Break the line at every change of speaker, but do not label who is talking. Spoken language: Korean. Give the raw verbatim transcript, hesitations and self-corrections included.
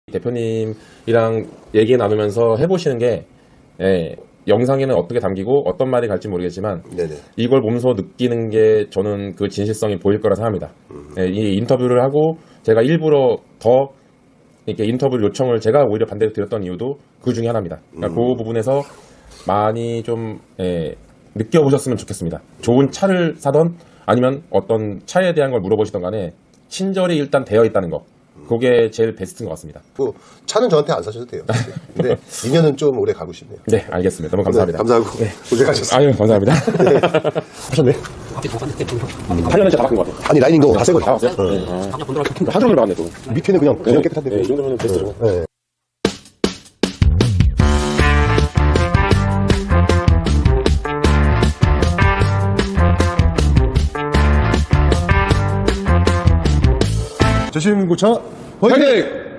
대표님이랑 얘기 나누면서 해보시는 게 예, 영상에는 어떻게 담기고 어떤 말이 갈지 모르겠지만
네네.
이걸 보면서 느끼는 게 저는 그 진실성이 보일 거라 생각합니다.
음.
예, 이 인터뷰를 하고 제가 일부러 더 이렇게 인터뷰 요청을 제가 오히려 반대로 드렸던 이유도 그 중에 하나입니다. 그러니까
음.
그 부분에서 많이 좀 예, 느껴보셨으면 좋겠습니다. 좋은 차를 사던 아니면 어떤 차에 대한 걸 물어보시던 간에 친절이 일단 되어 있다는 거. 그게 제일 베스트인 것 같습니다.
뭐 차는 저한테 안 사셔도 돼요. 근데 인연은 좀 오래 가고 싶네요.
네, 알겠습니다. 너무 감사합니다.
네, 감사하고
네.
고생하셨어요.
아유, 감사합니다.
네. 하셨네.
팔 년째 다 바뀐 것 같아요.
아니 라인인 거다 새거
다 왔어요? 네. 하루 종일 나왔네, 또.
밑에는 그냥 그냥 깨끗한데.
네, 이 정도면 베스트죠.
네. 조심구차 화이팅!